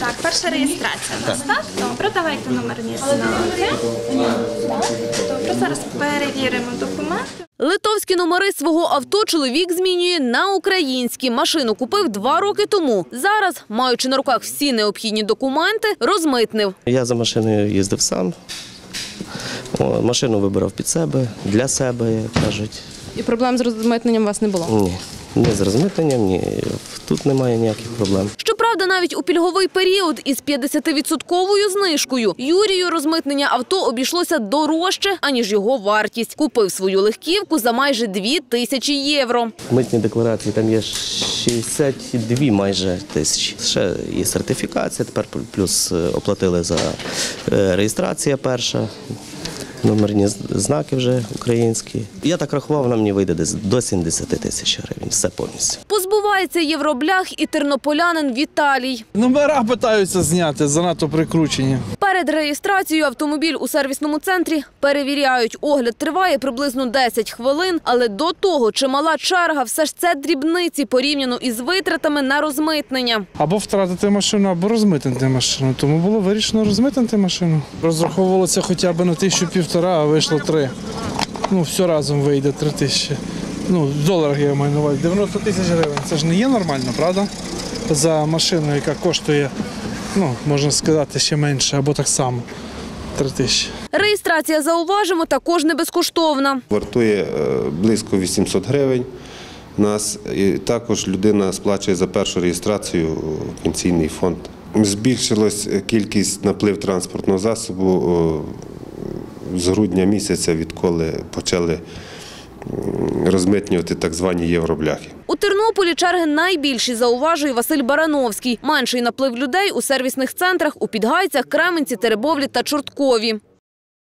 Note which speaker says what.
Speaker 1: Так, перша реєстрація у нас, так? Добре, давайте номерні знаки. Добре, зараз перевіримо документи.
Speaker 2: Литовські номери свого авто чоловік змінює на українські. Машину купив 2 роки тому. Зараз, маючи на руках всі необхідні документи, розмитнив.
Speaker 3: Я за машиною їздив сам. Машину вибирав під себе, для себе, як кажуть.
Speaker 4: І проблем з розмитненням у вас не було?
Speaker 3: Ні, ні з розмитненням, ні. Тут немає ніяких проблем.
Speaker 2: Щоправда, навіть у пільговий період із 50% знижкою Юрію розмитнення авто обійшлося дорожче, аніж його вартість. Купив свою легківку за майже 2000 євро.
Speaker 3: Митні декларації там є 62 майже тисячі. Ще є сертифікація, тепер плюс оплатили за реєстрацію перша. Номерні знаки вже українські. Я так рахував, вона мені вийде десь до 70 тисяч гривень, все повністю.
Speaker 2: Позбувається євроблях і тернополянин Віталій.
Speaker 5: Номера питаються зняти, занадто прикручені.
Speaker 2: Перед реєстрацією автомобіль у сервісному центрі перевіряють. Огляд триває приблизно 10 хвилин, але до того чимала черга, все ж це дрібниці порівняно із витратами на розмитнення.
Speaker 5: Або втратити машину, або розмитнити машину. Тому було вирішено розмитнити машину. Розраховувалося хоча б на 1500, а вийшло 3. Все разом вийде 3000. В доларах я маю на увазі. 90 тисяч гривень. Це ж не є нормально, правда? За машину, яка коштує, можна сказати, ще менше, або так само. 3000.
Speaker 2: Реєстрація, зауважимо, також не безкоштовна.
Speaker 6: Вартує близько 800 гривень. І також людина сплачує за першу реєстрацію в пенсійний фонд. Збільшилась кількість наплив транспортного засобу з грудня місяця, відколи почали розмитнювати так звані євробляхи.
Speaker 2: У Тернополі черги найбільші, зауважує Василь Барановський. Менший наплив людей у сервісних центрах у Підгайцях, Кременці, Теребовлі та Чорткові.